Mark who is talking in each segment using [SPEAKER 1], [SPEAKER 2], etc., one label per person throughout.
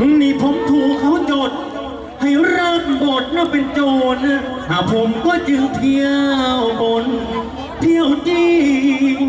[SPEAKER 1] นี่ผมถูกเขาจดให้รับบทน่ะเป็นโจรผมก็จึงเที่ยวบนเที่ยวจริง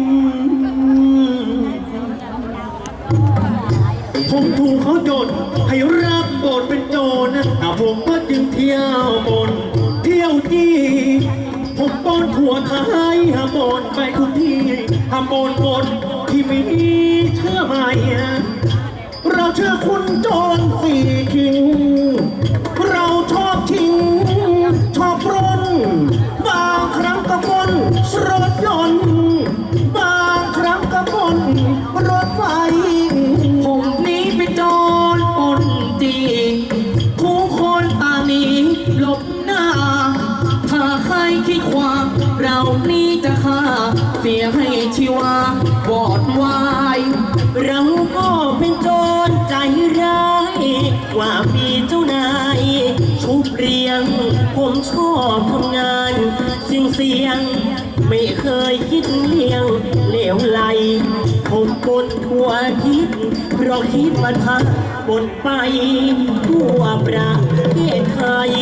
[SPEAKER 1] ผมถูกเขาจดให้รับบทเป็นโจรผมก็จึงเที่ยวบนเที่ยวจริงผมปนถั่วไทยบนไปทุกที่บนบนที่มีเชื่อไหมเราเชื่อคุณโจรสี่คิงเราชอบชิงชอบปล้นบางครั้งก็ปล้นรถยนต์บางครั้งก็ปล้นรถไฟผมนี้เป็นโจรปล้นจริงทุกคนต่างหนีหลบหน้าถ้าใครคิดความเรานี้จะฆ่าเสียให้ชีวาบอดวายเราก็เป็นโจรใจร้ายว่ามีเจ้านายชุบเรียงผมชอบทำงานเสี่ยงไม่เคยคิดเลี่ยงเหลวไหลผมบนทั่วทิศเพราะคิดวันพักบนไปทั่วประเทศไทย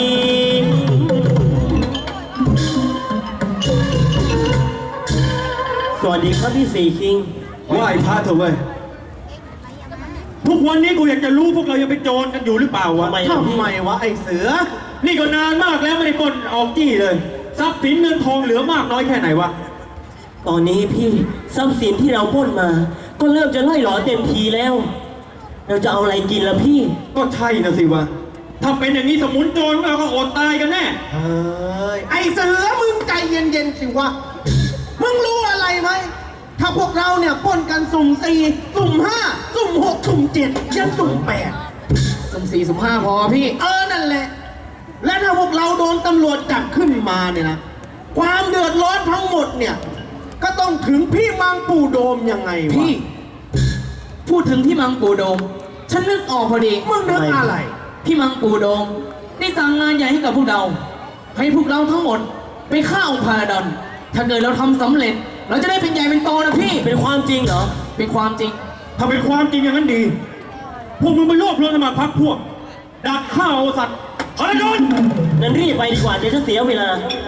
[SPEAKER 1] สวัสดีครับพี่สี่คิง
[SPEAKER 2] ไหว้พระเถอะเว้ยทุกวันนี้กูอยากจะรู้พวกเรายังเป็นโจรกันอยู่หรือเปล่าวะทำไมวะไอ้เสือนี่ก็นานมากแล้วไม่ได้ปล้นออกจี้เลยทรัพย์สินเงินทองเหลือมากน้อยแค่ไหนวะ
[SPEAKER 1] ตอนนี้พี่ทรัพย์สินที่เราปล้นมาก็เริ่มจะล่อยหลอเต็มทีแล้วเราจะเอาอะไรกินล่ะพี่
[SPEAKER 2] ก็ใช่นะสิวะถ้าเป็นอย่างนี้สมุนโจรเราก็อดตายกันแน่
[SPEAKER 3] ไอ้เสือมึงใจเย็นๆสิวะมึงรู้อะไรไหมถ้าพวกเราเนี่ยปล้นกันสุ่ม4สุ่ม5สุ่ม6สุ่ม7ยันสุ่ม8
[SPEAKER 1] สุ่ม4สุ่ม5พอพี่
[SPEAKER 3] นั่นแหละและถ้าพวกเราโดนตำรวจจับขึ้นมาเนี่ยนะความเดือดร้อนทั้งหมดเนี่ยก็ต้องถึงพี่มังปูโดมยังไงวะ
[SPEAKER 1] พี่พูดถึงพี่มังปูโดมฉันนึกออกพอดี
[SPEAKER 3] มึงนึกอะไร
[SPEAKER 1] พี่มังปูโดมได้สั่งงานใหญ่ให้กับพวกเราให้พวกเราทั้งหมดไปฆ่าองค์พาราดอนถ้าเกิดเราทำสำเร็จเราจะได้เป็นใหญ่เป็นโตนะพี่เป็นความจริงเหรอเป็นความจริง
[SPEAKER 2] ถ้าเป็นความจริงอย่างนั้นดีพวกมึงไปรวบรวมกันมาพักพวกดักฆ่าเอาสัตว์พาราดอน
[SPEAKER 1] งั้นรีบไปดีกว่าเดี๋ยวจะเสียเวลา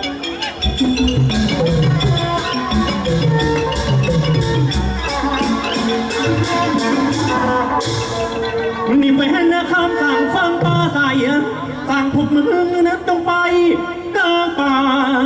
[SPEAKER 2] นี่ไปเห็นนะคำสั่งฟังปลาใสสั่งพวกมึงนั้นต้องไปกลางป่า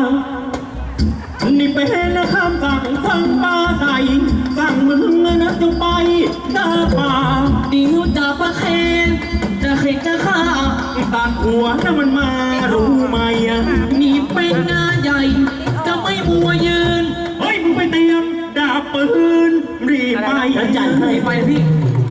[SPEAKER 2] นี่ไปเห็นนะคำสั่งฟังปลาใสสั่งมึงนั้นต้องไปกลางป่า
[SPEAKER 1] เดี๋ยวจะประเคนจะเข็ดจะฆ่า
[SPEAKER 2] ตัดหัวน่ะมันมารู้ไหม
[SPEAKER 1] นี่เป็นงานใหญ่จะไม่มัวยืน
[SPEAKER 2] เฮ้ยมึงไปเตรียมดาบปืนรีบไป
[SPEAKER 1] จัดให้ไปพี่